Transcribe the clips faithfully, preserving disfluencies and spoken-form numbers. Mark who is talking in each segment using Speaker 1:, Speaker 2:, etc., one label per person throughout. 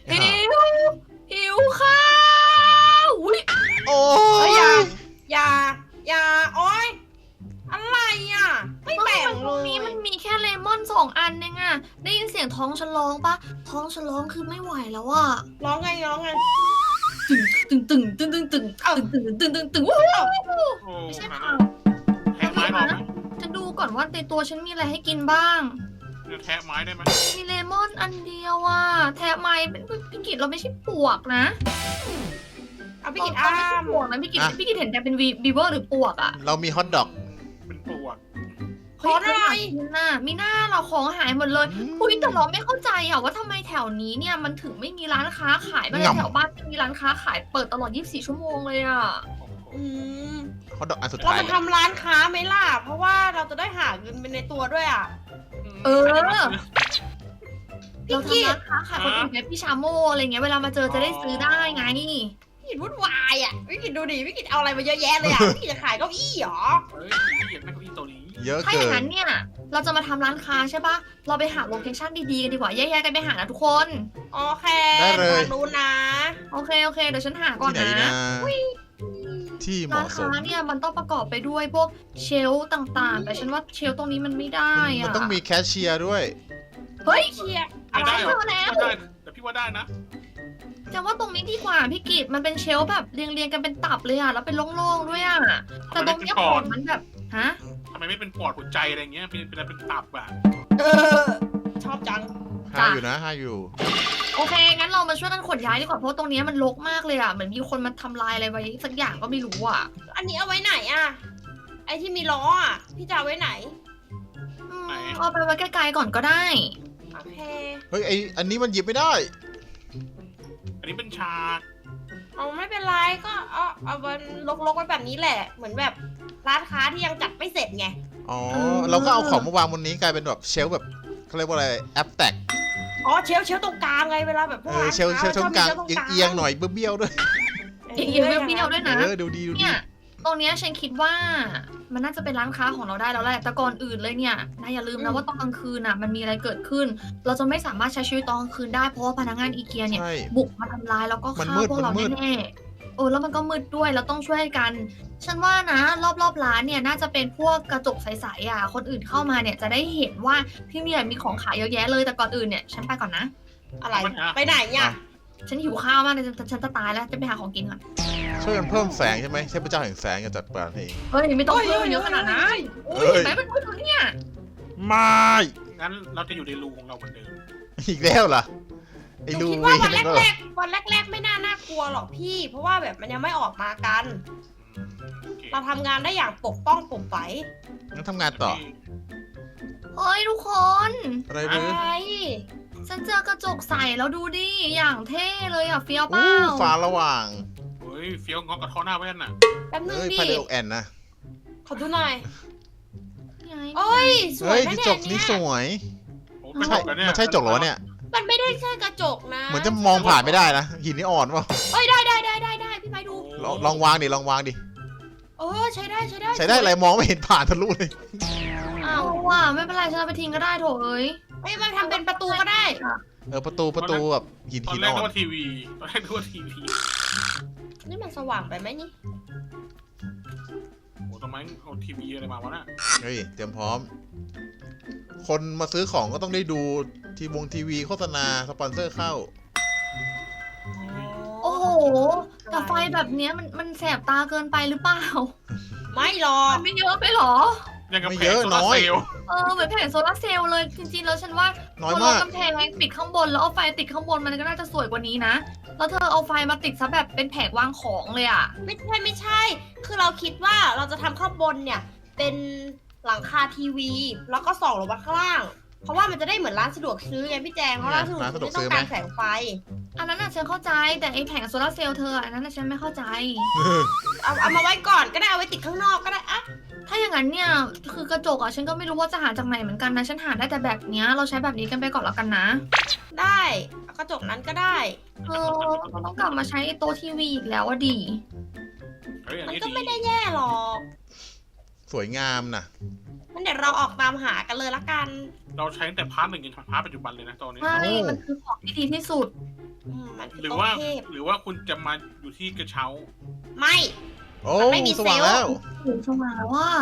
Speaker 1: หิวหิวข้าวอุ้ย
Speaker 2: โอ้
Speaker 3: เฮ้ย
Speaker 2: ย
Speaker 3: อย่าอย่าอย่าโอ๊ยอะไรอ่ะไม่แบ่ง
Speaker 1: ต
Speaker 3: เล
Speaker 1: รง
Speaker 3: ย
Speaker 1: นี้มันมีแค่เลมอนสองอันเองอะได้ยินเสียงท้องฉันร้องปะท้องฉันร้องคือไม่ไหวแล้วอะ
Speaker 3: ร้องไงร้องไง
Speaker 1: ตึงตึงตึงตึงตึงตึงตึงตึงตึงตึงตึงว้าว
Speaker 4: โอ้
Speaker 1: ไม่ใช่
Speaker 4: หา
Speaker 1: เปล่า
Speaker 4: แทะไม้หรอไหม
Speaker 1: ฉันดูก่อนว่าในตัวฉันมีอะไรให้กินบ้าง
Speaker 4: จะแทะไม้ได้ไหม
Speaker 1: มีเลมอนอันเดียวอะแทะไม้เป็นพี่กิตเราไม่ใช่ปลวกนะ
Speaker 3: เอาพี่กิน
Speaker 1: เรา
Speaker 3: อ้า
Speaker 1: ไม่ใช่
Speaker 3: ม
Speaker 1: ปลวกนะพี่กิตพี่กิตเห็นแต่เป็นวีบีเวอร์หรือปลวกอะ
Speaker 2: เรามีฮอทดอก
Speaker 4: เป็นปลวก
Speaker 3: ขอหน่อย
Speaker 1: มีหน้ามีหน้าเราของหายหมดเลย
Speaker 2: อืม
Speaker 1: คุยแต่เราไม่เข้าใจอะว่าทำไมแถวนี้เนี่ยมันถึงไม่มีร้านค้าขายบ้าง
Speaker 2: งำ
Speaker 1: แถวบ้านไม่มีร้านค้าขายเปิดตลอดยี่สิบสี่ชั่วโมงเลยอะ
Speaker 3: อืม
Speaker 2: ฮอทดอกอันสุด
Speaker 3: เรา
Speaker 2: ท้าย
Speaker 3: จะ
Speaker 2: เลย
Speaker 3: ทำร้านค้าไหมล่ะ เพราะว่าเราจะได้หาเงินเป็นในตัวด้วยอ่ะ
Speaker 1: เออ
Speaker 4: ใครจะมาซื้อ
Speaker 3: พี่
Speaker 1: เรา
Speaker 3: กิ
Speaker 1: ทำ
Speaker 3: ต
Speaker 1: ร้านค้าขายคนอื่นไงพี่ชาโมอะไรเงี้ยเวลามาเจอจะได้ซื้อได้ไง
Speaker 3: พี่กิตวุ่นวายอ่ะพี่กิตดูดิพี่กิตเอาอะไรมาเยอะแยะเลยอ่ะ พี่กิตจะขายเก้าอี้เหรอ
Speaker 4: เฮ้ยพี่อยากได้เก้าอี้ตัวนี้
Speaker 2: เยอะ
Speaker 1: ถ้าอ
Speaker 2: เกิ
Speaker 1: ย่าง
Speaker 2: น
Speaker 1: นั้นเนี่ยเราจะมาทำร้านค้าใช่ปะเราไปหาโลเคชั่นดีๆกันดีกว่าแยกๆกันไปหานะทุกคน
Speaker 3: โอเค
Speaker 2: ได้เลย
Speaker 3: ทางนู้นนะ
Speaker 1: โอเคโอเคเดี๋ยวฉันหาก่อน
Speaker 2: ที่ไหน
Speaker 1: นะ
Speaker 2: นะที่เห
Speaker 1: ร้าน
Speaker 2: มาะส
Speaker 1: ค้าม เนี่ยมันต้องประกอบไปด้วยพวกเชลฟ์ต่างๆ แต่ฉันว่าเชลฟ์ตรงนี้มันไม่ได้
Speaker 2: มัน
Speaker 1: อะ
Speaker 2: ต้องมีแคชเชียร์ด้วย
Speaker 1: เฮ้ย
Speaker 3: เชียร์
Speaker 4: ไม่
Speaker 3: อะไร
Speaker 4: ได้เหร
Speaker 1: เจ
Speaker 4: อ
Speaker 1: อแล้ว
Speaker 4: ไม่ได้แต่พี่ว่าได้นะ
Speaker 1: จะว่าตรงนี้ดีกว่าพี่กิตมันเป็นเชลฟ์แบบเรียงๆกันเป็นตับเลยอะแล้วเป็นโล่งๆด้วยอะแต่ตรงเนี้ยของมันแบบฮะ
Speaker 4: ทำไมไม่เป็นปอดหัวใจอะไรเงี้ยเป็นเป็นอะไรเป็นตับอ่ะ
Speaker 3: เออ ชอบจัง
Speaker 2: ห้าอยู่นะห้าอยู่
Speaker 1: โอเคงั้นเรามาช่วยกันขนย้ายดีกว่าเพราะตรงเนี้ยมันรกมากเลยอะเหมือนมีคนมาทำลายอะไรไว้สักอย่างก็ไม่รู้อะ
Speaker 3: อันนี้เอาไว้ไหนอ่ะ ไอที่มีล้ออ่ะ พี่จะเอาไว้ไหน
Speaker 1: อืมเอาไปไว้ไกลๆก่อนก็ได้
Speaker 3: โอเค
Speaker 2: เฮ้ยไออันนี้มันหยิบไม่ได้
Speaker 4: อันนี้เป็นฉาก
Speaker 3: เอาไม่เป็นไรก็เอาเอามันลกๆไว้แบบนี้แหละ เหมือนแบบร้านค้าที่ยังจัดไม่เสร็จไง
Speaker 2: อ๋อ
Speaker 1: เออ
Speaker 2: เราก็เอาของมาวางบนนี้กลายเป็นแบบเชลฟ์แบบเขาเรียกว่าอะไรแอปแตก
Speaker 3: อ๋อเชลฟ์เชลฟ์ตรงกลางไงเวลาแบบพว
Speaker 2: เอก อ
Speaker 3: ร้าน
Speaker 2: เชลฟ์เชลฟ์ตรงกลางเอียงๆหน่อยเบี้ยวๆด้วย
Speaker 1: เอียงๆเบี้ยวๆด้วยนะ
Speaker 2: เออดูดีดูดี
Speaker 1: เนี่ยตรงเนี้ยฉันคิดว่ามันน่าจะเป็นร้านค้าของเราได้แล้วแหละแต่ก่อนอื่นเลยเนี่ยนายอย่าลืมนะว่าตอนกลางคืนอ่ะมันมีอะไรเกิดขึ้น เราจะไม่สามารถใช้ชีวิตตอนกลางคืนได้เพราะว่าพนักงานอีเกียเนี่ย
Speaker 2: ใช่
Speaker 1: บุกมาทำร้ายแล้วก็
Speaker 2: มัน
Speaker 1: ฆ่า
Speaker 2: มืด
Speaker 1: พวกเรา
Speaker 2: มันมืด
Speaker 1: แน่ๆเออแล้วมันก็มืดด้วยเราต้องช่วยกัน ฉันว่านะ รอบๆร้านเนี่ยน่าจะเป็นพวกกระจกใสๆอ่ะคนอื่นเข้ามาเนี่ยจะได้เห็นว่าที่เนี่ยมีของขายเยอะแยะเลยแต่ก่อนอื่นเนี่ยฉันไปก่อนนะ
Speaker 3: อะไร ไปไหนเนี่ย
Speaker 1: ฉันหิวข้าวมากเลยฉันฉันจะตายแล้วจะไปหาของกินก่อน
Speaker 2: ช่วยกันเพิ่มแสงใช่ไหมเทพเจ้าแห่งแสงจะจัดการเอง
Speaker 1: เฮ้ยไม่ต้อง
Speaker 3: โอ้ย
Speaker 1: เพิ่มเยอะขนาดนั้น
Speaker 2: เฮ้
Speaker 1: อุ้ย
Speaker 2: ย
Speaker 1: เห็นไหมมันมืดอยู่เนี่ย
Speaker 2: ไม่
Speaker 4: งั้นเราจะอยู่ในรูของเราเหมือนเดิม
Speaker 2: อีกแล้วเหรอไอ้
Speaker 3: หนู
Speaker 2: ลู
Speaker 3: คิด
Speaker 2: เว
Speaker 3: ว่าน วัน
Speaker 2: นั่นก็
Speaker 3: แรกๆวันแรก ๆ ไม่น่าน่ากลัวหรอกพี่ เพราะว่าแบบมันยังไม่ออกมากัน
Speaker 4: โอเค
Speaker 3: เราทำงานได้อย่างปกป้องปกใส
Speaker 2: งั้นทำงานต่อ
Speaker 1: เฮ้ยทุกคน
Speaker 2: อะไร
Speaker 3: อะ
Speaker 2: มือ
Speaker 3: ไร
Speaker 1: ฉันเจอกระจกใสแล้วดูดิ อย่างเท่เลยอ่ะเฟี้ยวเป
Speaker 2: อู้
Speaker 1: ล่า
Speaker 2: ฟ้าระหว่าง
Speaker 4: เฮ้ยเฟี้ยวงอกกับท่อหน้าแว่นน่ะ
Speaker 3: แป๊บนึง
Speaker 2: เอ้ย
Speaker 3: ดิ
Speaker 2: พาเดลแอนนะ
Speaker 3: ขอดูหน่อย
Speaker 1: ไง
Speaker 3: โอ้ย สว
Speaker 2: เฮ้
Speaker 3: ย
Speaker 2: ย
Speaker 3: นะ
Speaker 2: กระ
Speaker 3: เนี่
Speaker 2: จ
Speaker 3: ย
Speaker 2: กนี้
Speaker 3: เนี่ย
Speaker 2: สวย
Speaker 4: โอ้
Speaker 2: ไม่
Speaker 4: กระ
Speaker 2: ใช่
Speaker 4: จกเหรอเนี่ย
Speaker 2: มันใช่จกเหรอเนี่ย
Speaker 3: มันไม่ได้แค่กระจกนะ
Speaker 2: เหมือนจะมองผ่านไม่ได้นะหินนี่อ่อนเปล่า
Speaker 3: เอ้ยได้ได้ได้ได้ได้พี่ไปดู
Speaker 2: ลองลองวางดิลองวางดิ
Speaker 3: เออใช้ได้ใช้ได้
Speaker 2: ใช้ได้อะไรมองไม่เห็นผ่านทะลุเลย
Speaker 1: อ้าวว่ะไม่เป็นไรฉันเอาไปทิ้งก็ได้โถเอ้ย
Speaker 3: เอ้ยมันทำเป็นประตูก็ได้
Speaker 2: เออประตูประตูแบบหิน
Speaker 4: ตอ
Speaker 2: หิ
Speaker 4: น
Speaker 2: น
Speaker 4: แรก
Speaker 2: อ่อ
Speaker 4: นึก
Speaker 2: น
Speaker 4: ว่าทีวีตอนแรกนึกว่าทีวี
Speaker 3: นี่มันสว่างไปไหมนี่
Speaker 4: โอ้ทำไมเอาทีวีอะไรมาวะน่ะ
Speaker 2: เฮ้ยเตรียมพร้อม คนมาซื้อของก็ต้องได้ดูทีวงทีวีโฆษณาสปอนเซอร์เข้า
Speaker 1: โอ้โหแต่ไฟแบบเนี้ยมันมันแสบตาเกินไปหรือเปล่า
Speaker 3: ไม่หรอก
Speaker 1: มันไม่เยอะไปหรอ
Speaker 4: ยังกับ
Speaker 2: ไม่
Speaker 4: แผ
Speaker 2: เย
Speaker 4: ง
Speaker 2: อะ
Speaker 4: โซลาร์
Speaker 2: น้อย
Speaker 4: เซลล์
Speaker 1: เออเหมือนแผงโซลาร์เซลล์เลยจริงๆแล้วฉันว่า
Speaker 2: น้อย
Speaker 1: พอ
Speaker 2: มาก
Speaker 1: เรากำแพงปิดข้างบนแล้วเอาไฟติดข้างบนมันก็น่าจะสวยกว่านี้นะแล้วเธอเอาไฟมาติดซะแบบเป็นแผงวางของเลยอ่ะ
Speaker 3: ไม่ใช่ไม่ใช่ คือเราคิดว่าเราจะทำข้างบนเนี่ย เป็นหลังคาทีวี แล้วก็ส่องลงมาข้างล่าง เพราะว่ามันจะได้เหมือนร้านสะดวกซื้อไงพี่แจง เพราะร้านสะดวก
Speaker 2: ร้านสะด
Speaker 3: ซื้
Speaker 2: ว
Speaker 3: อก ไม่
Speaker 2: ซื้
Speaker 3: ต้อ
Speaker 2: อง ไหม
Speaker 3: การแสงไฟ
Speaker 1: อันนั้นน่ะฉันเข้าใจแต่ไอแผงโซลาร์เซลล์เธออันนั้นน่ะฉันไม่เข้าใจ
Speaker 3: เอาเอามาไว้ก่อนก็ได้เอาไว้ติดข้างนอกก็ได้อะ
Speaker 1: ถ้าอย่างนั้นเนี่ยคือกระจกอ่ะฉันก็ไม่รู้ว่าจะหาจากไหนเหมือนกันนะฉันหาได้แต่แบบเนี้ยเราใช้แบบนี้กันไปก่อนแล้วกันนะ
Speaker 3: ได้เอากระจกนั้นก็ได้
Speaker 1: เออเราต้องกลับมาใช้ไอ้โต๊ะทีวีอีกแล้วอะดี
Speaker 4: เฮ้ยอัน
Speaker 3: มัน
Speaker 4: นี้
Speaker 3: ก็
Speaker 4: ดี
Speaker 3: ไม่ได้แย่หรอก
Speaker 2: สวยงามนะ
Speaker 3: งั้นเดี๋ยวเราออกตามหากันเลยละกัน
Speaker 4: เราใช้ตั้งแต่พาร์ทหนึ่งจนพาร์ทปัจจุบันเลยนะตอนนี้
Speaker 1: ใช่มันคือของที่ดีที่สุด
Speaker 3: อืมมันคือ
Speaker 4: หรือ
Speaker 3: โต๊ะ
Speaker 4: ว่า
Speaker 3: เทพ
Speaker 4: หรือว่าคุณจะมาอยู่ที่กระเช้า
Speaker 3: ไม่
Speaker 2: โอ้
Speaker 3: มันไม่มี
Speaker 2: สว่าง
Speaker 3: เซลล์
Speaker 2: แล้ว
Speaker 1: ถึงสว่างแล้วว่า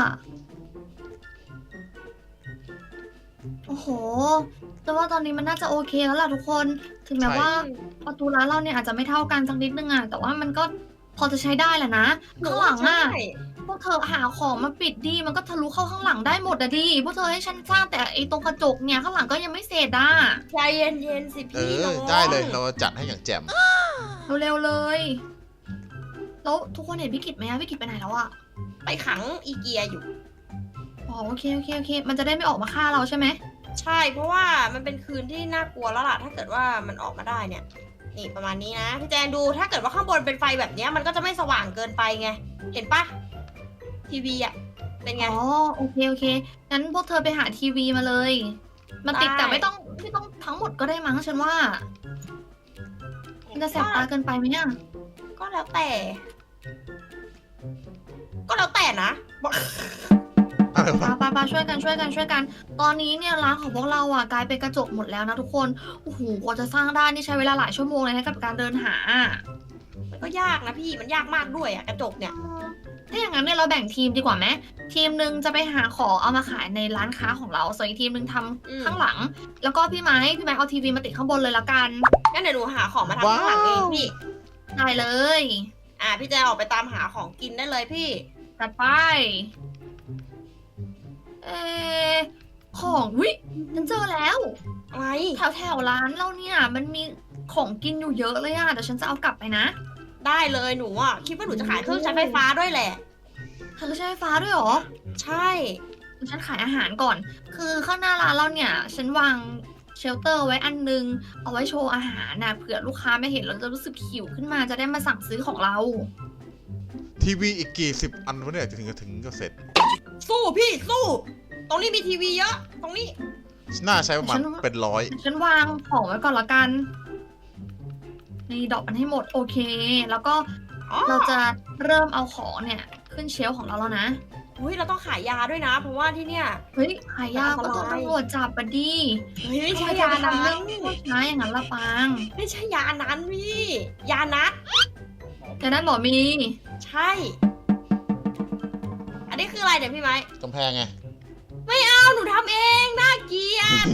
Speaker 1: โอ้โหแต่ว่าตอนนี้มันน่าจะโอเคแล้วล่ะทุกคน ถึงแม้
Speaker 2: ใช่
Speaker 1: ว่าประตูร้านเราเนี่ยอาจจะไม่เท่ากันสักนิดนึงอะแต่ว่ามันก็พอจะใช้ได้แหละนะ ข้างหลังอะ
Speaker 3: ใช่
Speaker 1: พวกเธอหาของมาปิดดี มันก็ทะลุเข้าข้างหลังได้หมดอะดิ พวกเธอให้ฉันสร้างแต่ไอ้ตรงกระจกเนี่ยข้างหลังก็ยังไม่เสร็จอะ
Speaker 3: ใจเย็นๆสิ
Speaker 2: เอ
Speaker 3: พี่น้
Speaker 2: อ
Speaker 3: อง
Speaker 2: ได้เลยเราจัดให้อย่างแจ่ม
Speaker 1: เร็วๆเลย แล้วทุกคนเห็นพี่กิจไหมอะพี่กิจไปไหนแล้วอะ
Speaker 3: ไปขังอีเกียอยู่
Speaker 1: อ๋อโอเคโอเคโอเค มันจะได้ไม่ออกมาฆ่าเราใช่ไหม
Speaker 3: ใช่เพราะว่ามันเป็นคืนที่น่ากลัวแล้วล่ะ ถ้าเกิดว่ามันออกมาได้เนี่ย นี่ประมาณนี้นะพี่แจนดูถ้าเกิดว่าข้างบนเป็นไฟแบบเนี้ยมันก็จะไม่สว่างเกินไปไง เห็นปะทีวีอะเป็นไง
Speaker 1: อ๋อโอเคโอเคงั้นพวกเธอไปหาทีวีมาเลย มันติด
Speaker 3: ได้
Speaker 1: แต่ไม่ต้องไม่ต้องทั้งหมดก็ได้มั้งฉันว่า มันจะแสบตาเกินไปไหมเนี่ย
Speaker 3: ก็แล้วแต่ ก็แล้วแต่นะบอก
Speaker 2: อะไรวะ
Speaker 1: ปาปาปาช่วยกันช่วยกันช่วยกัน ตอนนี้เนี่ยร้านของพวกเราอ่ะกลายเป็นกระจกหมดแล้วนะทุกคน โอ้โหกว่าจะสร้างได้นี่ใช้เวลาหลายชั่วโมงเลยนะกับการเดินหา
Speaker 3: มันก็ยากนะพี่มันยากมากด้วยอะกระจกเนี่ย
Speaker 1: ถ้าอย่างนั้นเนี่ยเราแบ่งทีมดีกว่าไหมทีมหนึ่งจะไปหาของเอามาขายในร้านค้าของเรา ส่วนอีกทีมหนึ่งทำ
Speaker 3: อืม
Speaker 1: ข้างหลัง แล้วก็พี่ไม้พี่ไม้เอาทีวีมาติดข้างบนเลยละกัน
Speaker 3: งั้นเดี๋ยวหนูหาของมาทำข้างหลังเองพี่
Speaker 1: ได้เลย
Speaker 3: อ่าพี่แจนออกไปตามหาของกินได้เลยพี่
Speaker 1: จัดไป เออของวิฉันเจอแล้ว
Speaker 3: อะไร
Speaker 1: แถวแถวร้านเราเนี่ย มันมีของกินอยู่เยอะเลยอะเดี๋ยวฉันจะเอากลับไปนะ
Speaker 3: ได้เลยหนูอ่ะคิดว่าหนูจะขายเครื่องใช้ไฟฟ้าด้วยแหละ
Speaker 1: เธอใช้ไฟฟ้าด้วยเหรอ
Speaker 3: ใช่
Speaker 1: ฉันขายอาหารก่อน คือข้างหน้าร้านเราเนี่ย ฉันวางเชลเตอร์ไว้อันนึง เอาไว้โชว์อาหารนะเผื่อลูกค้าไม่เห็นแล้วจะรู้สึกหิวขึ้นมาจะได้มาสั่งซื้อของเรา
Speaker 2: ทีวีอีกกี่สิบอันวะเนี่ยจะถึงจะถึงจะเสร็จ
Speaker 3: สู้พี่สู้ ตรงนี้มีทีวีเยอะ ตรงนี้
Speaker 2: น่าใช้ประมาณ
Speaker 1: ฉันว่า
Speaker 2: เป็นร้อย
Speaker 1: ฉันวางของไว้ก่อนละกัน นี่ดอกมันให้หมดโอเค แล้วก็
Speaker 3: อ๋อ
Speaker 1: เราจะเริ่มเอาของเนี่ยขึ้นเชลฟ์ของเราแล้วนะ
Speaker 3: อุ้ยเราต้องขายยาด้วยนะ เพราะว่าที่เนี่ย
Speaker 1: เฮ้ยขายยาก็
Speaker 3: อันต
Speaker 1: โด
Speaker 3: ราย
Speaker 1: นตำรวจจับปะดิ
Speaker 3: เฮ้ยไม่ใช่
Speaker 1: ทำ
Speaker 3: ยา
Speaker 1: เธอไป
Speaker 3: นั้
Speaker 1: ทำเรื่อง
Speaker 3: น
Speaker 1: ผู้ชายอย่างนั้นละปาง
Speaker 3: ไม่ใช่ยานั้นพี่ ยานัด
Speaker 1: แต่นั้นหมอมี
Speaker 3: ใช่ อันนี้คืออะไรเดี๋ยวพี่ไม้
Speaker 2: กำแพงไง
Speaker 3: เอาหนูทำเองน่าเกลียด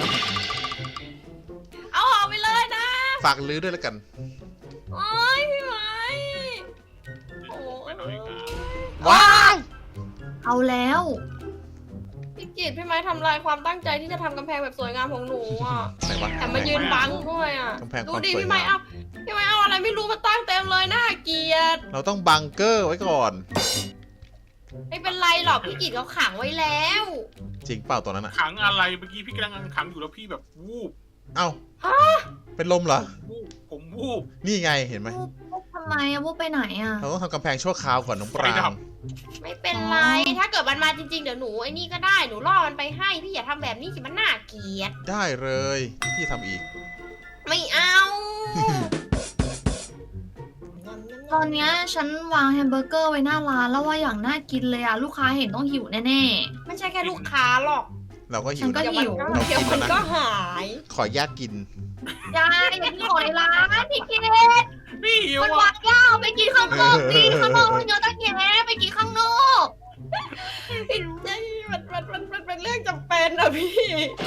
Speaker 3: เอาออกไปเลยนะ
Speaker 2: ฝากลื้อด้วยแล้วกัน
Speaker 3: โอ๊ยพี่ไม้โอ้
Speaker 4: ไปหน่อยครับ
Speaker 2: ว้าย
Speaker 1: เอาแล้ว
Speaker 3: พี่กิตพี่ไม้ทำลายความตั้งใจที่จะทำกำแพงแบบสวยงามของหนูอ่ะ
Speaker 2: ไหนวะ
Speaker 3: แต่มายืนบังด้วยอ่ะ
Speaker 2: กำแพง
Speaker 3: ดู
Speaker 2: ความ
Speaker 3: ดิ
Speaker 2: สวย
Speaker 3: พี่ไม้
Speaker 2: งาม
Speaker 3: เอาพี่ไม้เอาอะไรไม่รู้มาตั้งเต็มเลยน่าเกลียด
Speaker 2: เราต้องบังเกอร์ไว้ก่อน
Speaker 3: ไม่เป็นไรหรอกพี่กิตเขาขังไว้แล้ว
Speaker 2: จริงเปล่าตัวนั้นอะ
Speaker 4: ขังอะไรเมื่อกี้พี่กำลังขังอยู่แล้วพี่แบบวูบ
Speaker 2: เอ้า
Speaker 3: ฮะ
Speaker 2: เป็นลมเหรอ
Speaker 4: วูบผมวูบ
Speaker 2: นี่ไงเห็นไหม
Speaker 1: พวกพวกทำไมอะพวกไปไหนอะ
Speaker 2: เราต้องทำกำแพงชั่วคราวก่อนน้องปราง
Speaker 3: ไม่เป็นไร ถ้าเกิดมันมาจริงๆเดี๋ยวหนูไอ้นี่ก็ได้หนูล่อมันไปให้พี่อย่าทำแบบนี้สิมันน่าเกลียด
Speaker 2: ได้เลย พี่ทำอีก
Speaker 3: ไม่เอา
Speaker 1: ตอนเนี้ยฉันวางแฮมเบอร์เกอร์ไว้หน้าร้านแล้วว่าอย่างน่ากินเลยอะลูกค้าเห็นต้องหิวแน่
Speaker 3: ไม่ใช่แค่ลูกค้าหรอก
Speaker 2: เราก็หิ
Speaker 1: ฉั
Speaker 2: วน
Speaker 1: ก็
Speaker 2: นะ
Speaker 1: หิว
Speaker 2: เรา
Speaker 3: เดี๋ยว
Speaker 2: กิน
Speaker 3: มัน
Speaker 2: แล้ว
Speaker 3: ก็
Speaker 2: นะ
Speaker 3: หาย
Speaker 2: ขออนุญาตกิน
Speaker 1: ๆยายอย่ากินของในร้านพี่เกด
Speaker 4: พี่หิว
Speaker 1: มัน
Speaker 4: อ่ะ
Speaker 1: วางยาวไปกินข้างนอกดิข้างนอกมันเยอะตั้งแยะไปกินข้างนอก
Speaker 3: มันมันมันมันเป็นเรื่องจำเป็นอะพี่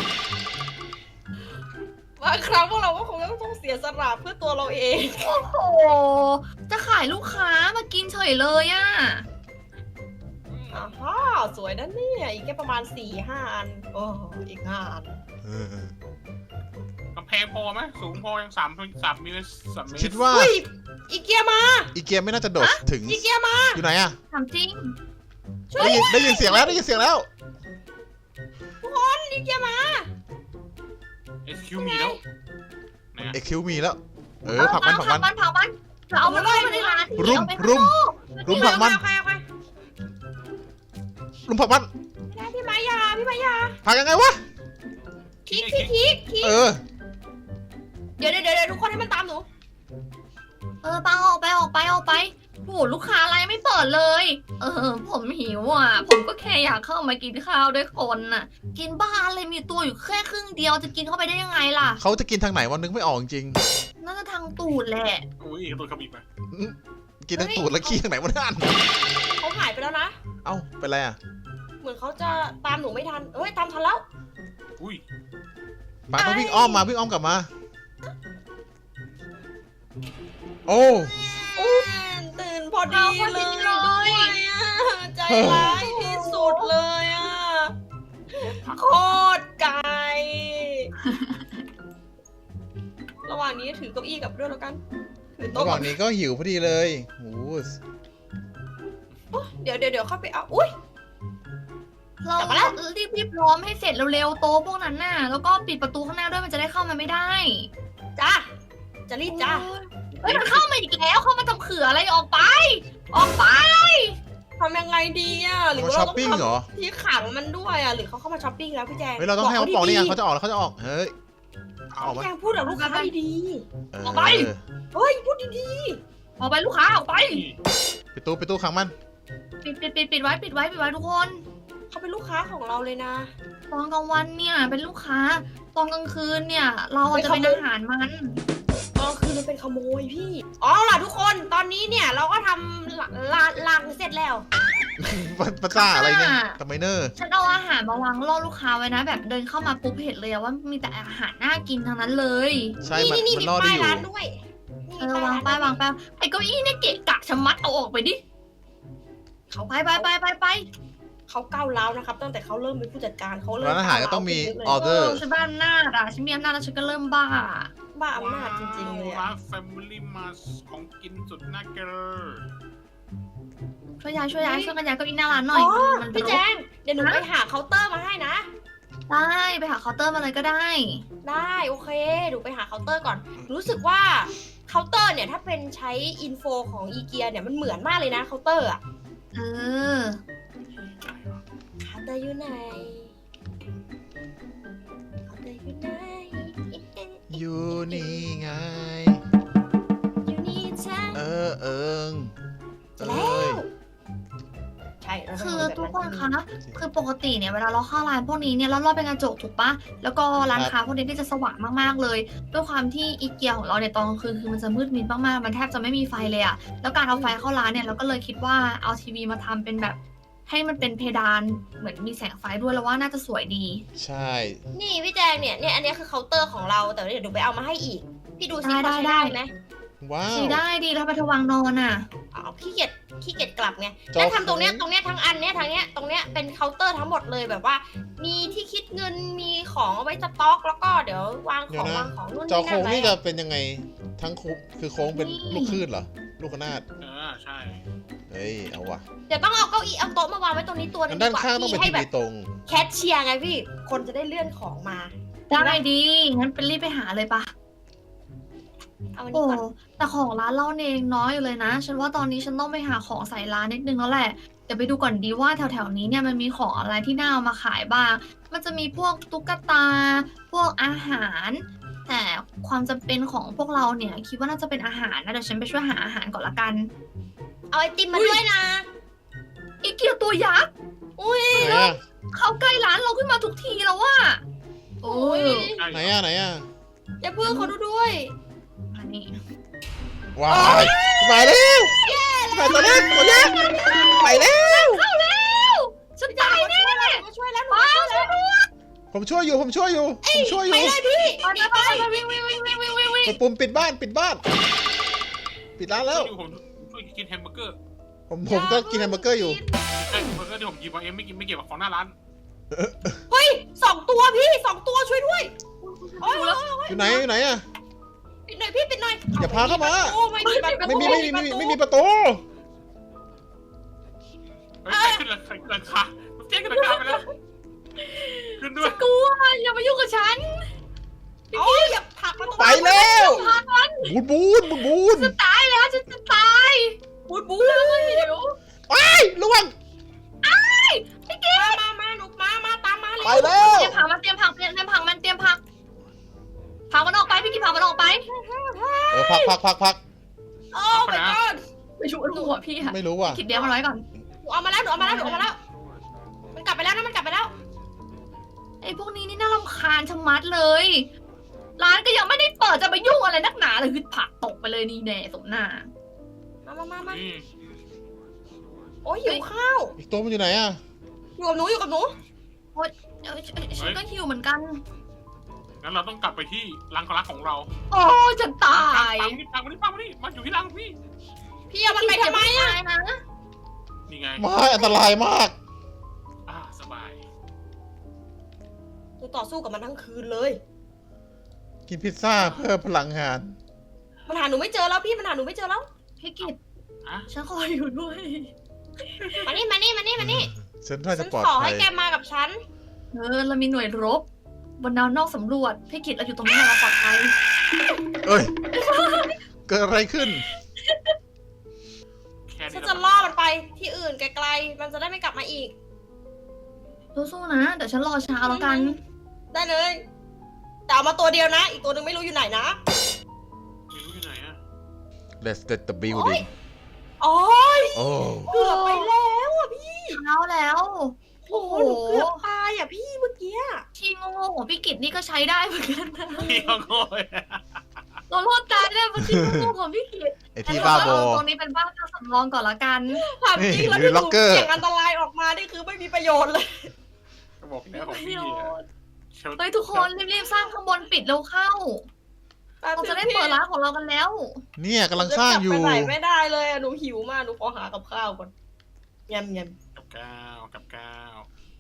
Speaker 3: บางครั้งพวกเราก็คงต้องเสียสละเพื่อตัวเราเอง
Speaker 1: โอ้โหจะขายลูกค้ามากินเฉยเลยอะ
Speaker 3: อ่าฮะสวยนะเนี่ยอีกแค่ประมาณสี่ห้าอันโอ้อีกห้าอัน
Speaker 2: เออ
Speaker 4: กำแพงพอไหมสูงพอยังสามสามเมตรสามเมตร
Speaker 2: คิดว่า
Speaker 3: อุ้ยอีเกียมา
Speaker 2: อีเกียไม่น่าจะโดดถึง
Speaker 3: อีเกียมา
Speaker 2: อยู่ไหนอะ
Speaker 1: ถามจริง
Speaker 2: ได้ยินได้ยินเสียงแล้วได้ยินเสียงแล้ว
Speaker 3: อีเกียมา
Speaker 4: เอสคิวมีแล้วไหนอะ
Speaker 2: เอ็กคิวมีแล้ว เออผลักมันผลักมัน
Speaker 1: เผามันเผามันเอามันเข้ามาในร้าน
Speaker 2: รุม
Speaker 1: เอาไปข้าง
Speaker 2: รุม
Speaker 1: นอก
Speaker 2: รุมผลักมัน
Speaker 3: เอาใครเอาใคร
Speaker 2: ลุมผลักมัน
Speaker 3: ไม่ได้พี่มายาพี่มายา
Speaker 2: ผลักยังไงวะ
Speaker 3: คลิกคลิกคลิกคลิก
Speaker 2: เออ
Speaker 3: เดี๋ยวเดี๋ยวเดี๋ยวทุกคนให้มันตามหนู
Speaker 1: เออปังออกไปออกไปออกไปโหลูกค้าอะไรไม่เปิดเลย เออ ผมหิวอ่ะ ผมก็แค่อยากเข้ามากินข้าวด้วยคนน่ะ กินบ้านเลยมีตัวอยู่แค่ครึ่งเดียวจะกินเข้าไปได้ยังไงล่ะ
Speaker 2: เขาจะกินทางไหนวันนึงไม่ออกจริง
Speaker 1: โน่าจะทางตูดแหละ
Speaker 4: อุ้ยตัวขมิบไป
Speaker 2: กินทั้งตูดแล้วขี้ทางไหนวะนั่น
Speaker 3: เขาหายไปแล้วนะ
Speaker 2: เอ้าเป็นไรอ่ะ
Speaker 3: เหมือนเขาจะตามหนูไม่ทันเอ้ยตามทันแล้ว
Speaker 4: อุ้ย
Speaker 2: มาต้องวิ่งอ้อมมาวิ่งอ้อมกลับมา โอ้
Speaker 3: ตื่นพอดีเลยอะใจร้ายที่สุดเลยอ่ะ
Speaker 4: ผัก
Speaker 3: โคตรไกล ระหว่างนี้ถือเก้าอี้กลับด้วยแล้วกัน ถือ
Speaker 2: ระ
Speaker 3: โต๊ะ
Speaker 2: หว่างนี้ก็หิวพอดีเลยโอ้
Speaker 3: เดี๋ยวเดี๋ยวเดี๋ยวเข้าไปเอา อุ้ย
Speaker 1: เรา
Speaker 3: กลับมาแล้ว
Speaker 1: รีบรีบพร้อมให้เสร็จเร็วๆโต๊ะพวกนั้นน่ะ แล้วก็ปิดประตูข้างหน้าด้วยมันจะได้เข้ามาไม่ได้
Speaker 3: จ้าจะรีบจ้า
Speaker 1: เฮ้ยมันเข้ามาอีกแล้วเข้ามาทำเขืออะไรออกไป ออกไป
Speaker 3: ทำยังไงดีอ่ะ หรือ
Speaker 2: มา
Speaker 3: ว่า
Speaker 2: ช้อ
Speaker 3: เรา
Speaker 2: ป
Speaker 3: ต้อง
Speaker 2: ปิ้งเหรอ
Speaker 3: ทำที่ขังมันด้วยอ่ะ หรือเขาเข้ามาช้อปปิ้งแล้วพี่แจง
Speaker 2: เฮ้ยเราต้องให้เขาปอกนี่ไง
Speaker 3: ดีๆ
Speaker 2: เขาจะออกแล้วเขาจะออกเฮ้ยออก
Speaker 3: พี่
Speaker 2: มา
Speaker 3: แจงพูดกับลูกค้าดี
Speaker 2: เออ
Speaker 1: ออกไป
Speaker 3: ๆเฮ้ยพูดดี
Speaker 1: ออกไปลูกค้าออกไป
Speaker 2: ปิดตู้ปิดตู้ขังมัน
Speaker 1: ปิดปิดปิดปิดไว้ปิดไว้ปิดไว้ทุกคน
Speaker 3: ๆเขาเป็นลูกค้าของเราเลยนะ
Speaker 1: ตอนกลางวันเนี่ยเป็นลูกค้า ตอนกลางคืนเนี่ย เราอาจจะเป็นอาหารมัน
Speaker 3: ตอนคือมันเป็นขโมยพี่อ๋อล่ะทุกคนตอนนี้เนี่ยเราก็ทำละละลังเสร็จแล้ว
Speaker 2: ภาษาอะไรเนี่ยทำไมเนอร์
Speaker 1: ฉันเอาอาหารมาวางล่อลูกค้าไว้นะ แบบเดินเข้ามาปุ๊บเห็นเลยอะว่ามีแต่อาหารน่ากินทั้งนั้นเลย
Speaker 2: ใช่
Speaker 3: นี่
Speaker 2: มัน
Speaker 3: นี่
Speaker 2: มัน
Speaker 3: มี
Speaker 2: รอดได้
Speaker 3: ป้าย
Speaker 2: อยู่
Speaker 3: ร้านด้วย
Speaker 1: เออวางไปวางไปไอ้เก้าอี้เนี่ยเกะกะชะมัดเอาออกไปดิเขาไปไปไปไปไป
Speaker 3: เขาก้าวร้าวนะครับ ตั้งแต่เขาเริ่มเป็นผู้จัดการเขาเริ่ม
Speaker 2: ร้านอาหารก็ต้องมี
Speaker 3: ก้าว
Speaker 2: อ
Speaker 3: ร้าว
Speaker 2: อเดอร์
Speaker 1: ฉันบ้าอำนาจอะฉันมีอำนาจแล้วฉันก็เริ่มบ้า
Speaker 3: บ้าอำนาจจริงๆเลย
Speaker 4: ร้า
Speaker 3: อะ
Speaker 4: นแฟมิลี่มาของกินสุดน่าเกลือ
Speaker 1: ช่วยย้ายช่วยย้ายช่วยกันย้ายเก้าอี้หน้าร้านหน่อย
Speaker 3: อ๋อ
Speaker 1: มัน
Speaker 3: พี่แจงเดี๋ยวหนูไปหาเคาน์เตอร์มาให้นะ
Speaker 1: ได้ไปหาเคาน์เตอร์มาเลยก็ได้
Speaker 3: ได้โอเคหนูไปหาเคาน์เตอร์ก่อน รู้สึกว่าเคาน์เตอร์เนี่ยถ้าเป็นใช้อินโฟของอีเกียเนี่ยมันเหมือนมากเลยนะเคาน์เตอร์อะ
Speaker 1: เออ
Speaker 3: เคาน์เตอร์อยู่ไหนเคาน์เตอร์อยู่ไหน
Speaker 2: อยู่นี่ไง
Speaker 3: อยู่นี่จ้า
Speaker 2: เออเอิง
Speaker 3: จะ
Speaker 2: เอ้
Speaker 3: แล้
Speaker 2: ยว
Speaker 3: ใช่เราต้ง
Speaker 1: คือ
Speaker 3: ทำแบบ
Speaker 1: ทุกคน
Speaker 3: จริง
Speaker 1: คะ คือปกติเนี่ยเวลาเราเข้าร้านพวกนี้เนี่ยรอบๆเป็นกระจกถูกปะแล้วก็ร้านค้าพวกนี้ที่จะสว่างมากๆเลย ด้วยความที่อีเกียของเราเนี่ยตอนกลางคืนคือมันจะมืดมิดมากๆ มันแทบจะไม่มีไฟเลยอะแล้วการเอาไฟเข้าร้านเนี่ยเราก็เลยคิดว่าเอาทีวีมาทำเป็นแบบให้มันเป็นเพดานเหมือนมีแสงไฟด้วยแล้วว่าน่าจะสวยดี
Speaker 2: ใช่
Speaker 3: นี่พี่แจงเนี่ยเนี่ยอันนี้คือเคาน์เตอร์ของเราแต่เดี๋ยวหนูไปเอามาให้อีก พี่ดูซิ
Speaker 1: ได้
Speaker 3: เขาใช้
Speaker 1: ได้
Speaker 3: ได้ไหม
Speaker 2: ว้าว
Speaker 1: ใช้ได้ดีแล้วไปทวางนอนอ่ะ
Speaker 3: เอาขี้เกียจขี้เกียจกลับไง
Speaker 2: จอ
Speaker 3: แล้วทำตรงเนี้ย
Speaker 2: โค้ง
Speaker 3: ตรงเนี้ยทั้งอันเนี้ยทางเนี้ยตรงเนี้ยเป็นเคาน์เตอร์ทั้งหมดเลยแบบว่า มีที่คิดเงินมีของเอาไว้สต็อก แล้วก็เดี๋ยววางของวางของนู่น
Speaker 2: จอ
Speaker 3: นี่
Speaker 2: โค้
Speaker 3: นั่
Speaker 2: ง
Speaker 3: นไว้
Speaker 2: นี่จะ
Speaker 3: อะ
Speaker 2: เป็นยังไงทั้งโค้งคือโค้งเป็น
Speaker 1: นี่
Speaker 2: ลูกคลื่นเหรอ ลูกขนาด
Speaker 4: เออใช่
Speaker 2: เฮ้ยเอาว่ะ
Speaker 3: เดี๋ยวต้องเอาเก้าอี้เอาโต๊ะมาวางไว้ตรงนี้ตัวหนึ
Speaker 2: งั้
Speaker 3: ง
Speaker 2: นด้านข้างต้องเป็น
Speaker 3: ให้
Speaker 2: ที
Speaker 3: แบ
Speaker 2: วี
Speaker 3: บ
Speaker 2: ตรง
Speaker 3: แคชเชียร์ไงพี่คนจะได้เลื่อนของมา
Speaker 1: ได้ดีงั้นเป็นรีบไปหาเลยปะ
Speaker 3: เอาอัน
Speaker 1: โอ้
Speaker 3: นี้ก่อน
Speaker 1: แต่ของร้านเราเองน้อยอยู่เลยนะ ฉันว่าตอนนี้ฉันต้องไปหาของใส่ร้านนิดนึงแล้วแหละ เดี๋ยวไปดูก่อนดีว่าแถวๆนี้เนี่ยมันมีของอะไรที่น่าเอามาขายบ้าง มันจะมีพวกตุ๊กตา พวกอาหาร แต่ความจำเป็นของพวกเราเนี่ยคิดว่าน่าจะเป็นอาหารนะเดี๋ยวฉันไปช่วยหาอาหารก่อนละกัน
Speaker 3: เอาไอติมมาด้วยนะ
Speaker 1: อีเกียตัวยักษ์
Speaker 3: อุ้ย
Speaker 2: ไหนอะ
Speaker 1: เข้าใกล้ร้านเราขึ้นมาทุกทีแล้วว่าโอ้
Speaker 3: โอ้
Speaker 1: ย
Speaker 3: ย
Speaker 4: ใช่
Speaker 2: ไหนอะไหนอะ
Speaker 3: อย่าเพิ่งเขาดูด้วย
Speaker 1: อันนี้
Speaker 2: ว้ายมาแล้วมาตัวเล็กตัวเล็กไปแล้ว
Speaker 1: เข้าแล้วฉันตายแน่
Speaker 3: มาช่วยแล้วหนู
Speaker 1: ว้า
Speaker 3: มาช่วยแล้ว
Speaker 2: ผมช่วยอยู่ผมช่วยอยู่ผมช่วยอยู่
Speaker 3: ไปเลยพี่
Speaker 1: ไปไปไปวิ่งวิ่งวิ่งวิ่งวิ่งวิ่งวิ่ง
Speaker 2: กดปุ่มปิดบ้านปิดบ้าน ปิดร้านแล้ว
Speaker 4: อยู่ผมช่วยกินแฮมเบอร์เกอร์
Speaker 2: ผมผมก็กินแฮมเบอร์เกอร์อยู่
Speaker 4: เอ้ยแฮมเบอร์เกอร์ที่ผมหยิบมาเองไม่กินไม่เกี่ยวกับของหน้าร้าน
Speaker 3: เฮ้ยสองตัวพี่สองตัวช่วยด้วยโอ้ย
Speaker 2: อยู่ไหนอยู่ไหนอะ
Speaker 3: ปิดหน่อยพี่ปิดหน่อย
Speaker 2: อย่าพาเข้ามา
Speaker 3: โอ้ไม่มีประตู
Speaker 2: ไม่มีไม่มีไม่มีไม่มีประตู
Speaker 4: เฮ้ยใครขึ้นราคาราคาเจ๊ขึ้นราคาไปแล้วขึ้นด้วย
Speaker 1: กลัวอย่ามายุ่งกับฉัน
Speaker 3: โอ้ยอย่าผลักประตู
Speaker 2: ไปแล้วบูนบูนบูนบูน
Speaker 1: จะตายแล้วฉันจะตาย
Speaker 3: บูดบู
Speaker 1: เดี๋ยว
Speaker 2: ไประวัง
Speaker 3: มามามาหนูมามาตามมาเลย
Speaker 2: ไปแล้ว
Speaker 1: เตรียมผักมาเตรียมผักเตรียมผักมันเตรียมผักผักมันออกไปพี่กินผักมันออกไป
Speaker 2: เออพักพักพักพัก
Speaker 3: โอ้ my god
Speaker 1: ไม่ชูหัวพี่อะ
Speaker 2: ไม่รู้ว่ะ
Speaker 1: คิดเดียวมันไว้ก่อน
Speaker 3: หนูเอามาแล้วหนูเอามาแล้วหนูเอามาแล้ว มันกลับไปแล้วนะมันกลับไปแล้ว
Speaker 1: ไอ้พวกนี้นี่น่ารำคาญชะมัดเลยร้านก็ยังไม่ได้เปิดจะไปยุ่งอะไรนักหนาเลยคือผลักตกไปเลยนี่แน่สมหน้า
Speaker 3: มามามามา
Speaker 4: นี่
Speaker 3: โอ้ยหิวข้าว
Speaker 2: อีกตัวมันอยู่ไหนอะ
Speaker 3: อยู่กับหนูอยู่กับหนู
Speaker 1: เอ้ยฉันก็หิวเหมือนกัน
Speaker 4: งั้นเราต้องกลับไปที่รังรักของเรา
Speaker 1: โอ้จะตาย
Speaker 4: ปังนี่ปังมานี่ปังมานี่มาอยู่ที่รังพี่
Speaker 3: พี่เอามันไปทำไมอะ
Speaker 1: นะ
Speaker 4: นี่ไง
Speaker 2: ไม่อันตรายมาก
Speaker 4: อ่าสบาย
Speaker 3: หนูต่อสู้กับมันทั้งคืนเลย
Speaker 2: กินพิซซ่าเพื่อพลังงาน
Speaker 3: มันหาหนูไม่เจอแล้วพี่มันหาหนูไม่เจอแล้ว
Speaker 1: พี่กิต
Speaker 4: อะ
Speaker 1: ฉันขออยู่ด้วย
Speaker 3: มานี่มานี่มานี่มานี่
Speaker 2: ฉันน่า
Speaker 3: ฉั
Speaker 2: จะ
Speaker 3: น
Speaker 2: ปลอด
Speaker 3: ขอ
Speaker 2: ภั
Speaker 3: ให้
Speaker 2: ย
Speaker 3: แกมากับฉัน
Speaker 1: เออเรามีหน่วยรบบนดาวนอกสำรวจพี่กิตเราอยู่ตรงนี้เราปลอดภัย
Speaker 2: เอ้ย เกิดอะไรขึ้น
Speaker 4: แค่
Speaker 3: ฉั
Speaker 4: นี้
Speaker 3: น
Speaker 4: เรา
Speaker 3: จะล่อมันไปที่อื่นไกลๆ มันจะได้ไม่กลับมาอีก
Speaker 1: สู้ๆนะเดี๋ยวฉันรอเช้าแล้วกัน
Speaker 3: ได้เลย แต่เอามาตัวเดียวนะ อีกตัวหนึงไม่รู้อยู่ไหนนะ
Speaker 4: ไม่รู้อยู่ไหนอะ
Speaker 2: Let's get the building
Speaker 3: โอ้ย
Speaker 2: โอ้
Speaker 3: เกือบไปแล้วอ่ะพี่
Speaker 1: เช้าแล้ว
Speaker 3: โอ้โหหนูเกือบตายอ่ะพี่เมื่อกี้
Speaker 1: ที่โง่ๆของพี่กิตนี่ก็ใช้ได้เหมือนกันนะ
Speaker 4: พี่ก็โง่ย
Speaker 1: เรารอดตายได้เพราะที่โง่ๆของพี่กิต
Speaker 2: ไอที่บ้าบอ
Speaker 1: ตรงนี้เป็นบ้านพักสำรองก่อนละกัน
Speaker 3: ถามจริงแล้ว
Speaker 2: นี่
Speaker 3: ที่ห
Speaker 2: ล็
Speaker 3: นู
Speaker 2: อกเกอร์
Speaker 3: เสี่ยงอันตรายออกมานี่คือไม่มีประโยชน์เลย
Speaker 4: ก็บอกแล้วของพี่อะเชล
Speaker 1: เฮ้ยทุกคนรีบๆสร้างข้างบนปิดเร็วเข้า เราจะได้เปิดร้านของเรากันแล้ว
Speaker 2: เนี่ยกำลังสร้างอยู่
Speaker 3: จะกลับไปไหนไม่ได้เลยอะหนูหิวมาก หนูขอหากับข้าวก่อนยำย
Speaker 4: กับก้าวกับก้าว